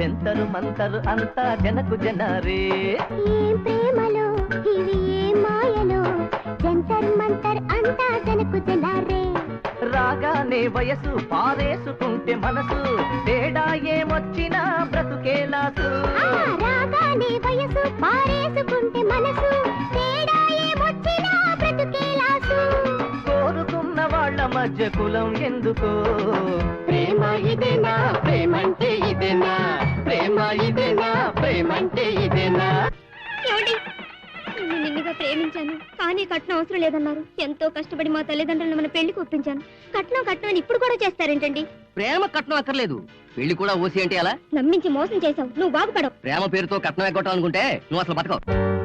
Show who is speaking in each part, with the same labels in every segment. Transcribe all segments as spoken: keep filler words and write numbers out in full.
Speaker 1: జంతరు మంతరు అంతా జనకు జనారే.
Speaker 2: ఏం ప్రేమలో ఇవి ఏం మాయలో జంతర్ మంతర్ అంతా జనకు జనారే.
Speaker 1: రాగానే వయసు పారేసుకుంటే మనసు తేడా ఏమొచ్చినా బ్రతుకేలాసు.
Speaker 2: రాగానే వయసు పారేసుకుంటే మనసు తేడా ఏమొచ్చినా బ్రతుకేలాసు.
Speaker 1: కోరుకున్న వాళ్ళ మధ్య కులం ఎందుకో.
Speaker 3: ప్రేమ ఇదేనా ప్రేమంటే ఇదేనా ప్రేమ ఇదేనా ప్రేమంటే ఇదేనా.
Speaker 2: నేను నిన్నుగా ప్రేమించాను కానీ కట్నం అవసరం లేదన్నారు. ఎంతో కష్టపడి మా తల్లిదండ్రులను మన పెళ్లికి ఒప్పించాను. కట్నం కట్నం అని ఇప్పుడు కూడా చేస్తారేంటండి?
Speaker 3: ప్రేమ కట్నం అక్కర్లేదు, పెళ్లి కూడా ఓసి అంటే అలా.
Speaker 2: నమ్మించి మోసం చేశావు, నువ్వు బాగుపడవు.
Speaker 3: ప్రేమ పేరుతో కట్నం ఎగ్గొట్టాం అనుకుంటే నువ్వు అసలు బతకవు.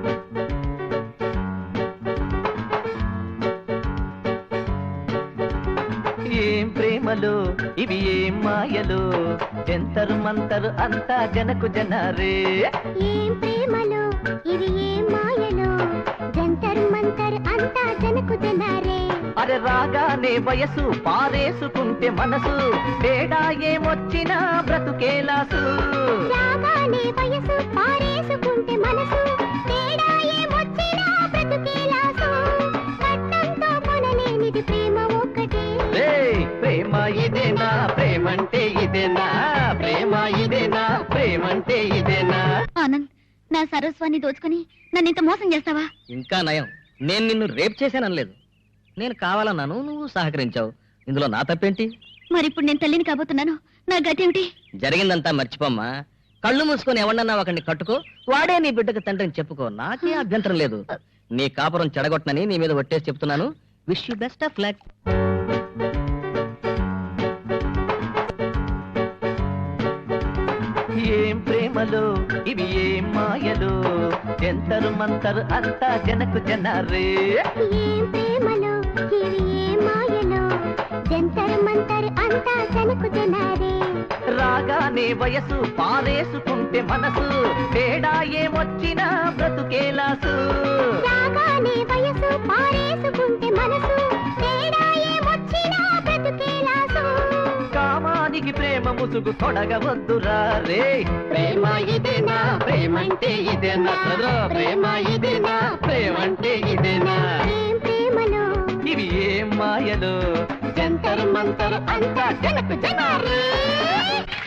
Speaker 1: ఏం ప్రేమలో ఇవి ఏం మాయలో జంతరు మంతరు అంతా జనకు జనారే.
Speaker 2: ఏం ప్రేమలో ఇవి ఏం మాయలో జంతర్ మంతర్ అంతా జనకు జనారే.
Speaker 1: అరే రాగానే వయసు పారేసుకుంటే మనసు తేడా ఏమొచ్చినా బ్రతుకేలాసు.
Speaker 2: రాగానే వయసు పారేసుకుంటే మనసు తేడా ఏమొచ్చినా బ్రతుకేలాసు. కట్నంతో కొనలేనిది ప్రేమ ఒక్కటే.
Speaker 1: ప్రేమ ఇదేనా ప్రేమంటే ఇదేనా ప్రేమ ఇదేనా ప్రేమంటే ఇదేనా.
Speaker 2: ఆనంద్, నా సరస్వాన్ని దోచుకుని నన్ను ఇంత మోసం చేస్తావా?
Speaker 3: ఇంకా నయం, నేను నిన్ను రేప్ చేశాననలేదు. నేను కావాలన్నాను, నువ్వు సహకరించావు. ఇందులో నా తప్పేంటి?
Speaker 2: మరిప్పుడు నేను తల్లిని కాబోతున్నాను, నా గతి ఏమిటి?
Speaker 3: జరిగిందంతా మర్చిపోమ్మా. కళ్ళు మూసుకొని ఎవడన్నా ఒకరిని కట్టుకో, వాడే నీ బిడ్డకు తండ్రిని చెప్పుకో. నాకే అభ్యంతరం లేదు. నీ కాపురం చెడగొట్టనని నీ మీద ఒట్టేసి చెప్తున్నాను. Wish you best of luck.
Speaker 1: ఏం ప్రేమలో ఇవి ఏం మాయలో జంతరు మంతరు అంతా జనకు జనారే.
Speaker 2: ఏం ప్రేమలో ఇవి ఏం మాయలో జంతర్ మంతర్ అంతా జనకు జనారే.
Speaker 1: రాగానే వయసు పారేసుకుంటే మనసు తేడా ఏమొచ్చినా బ్రతుకేలాసు.
Speaker 2: రాగానే వయసు పారేసుకుంటే మనసు తేడా ఏమొచ్చినా బ్రతుకేలాసు.
Speaker 1: కామానికి ప్రేమ ముసుగు తొడగవద్దురా రే.
Speaker 3: ప్రేమ ఇదేనా ప్రేమంటే ఇదేనా ప్రేమ ఇదేనా ప్రేమంటే ఇదేనా.
Speaker 2: ఏం ప్రేమలో
Speaker 1: ఇవి ఏం మాయలో
Speaker 3: జంతర్ మంతర్ అంతా జనకు జనారే.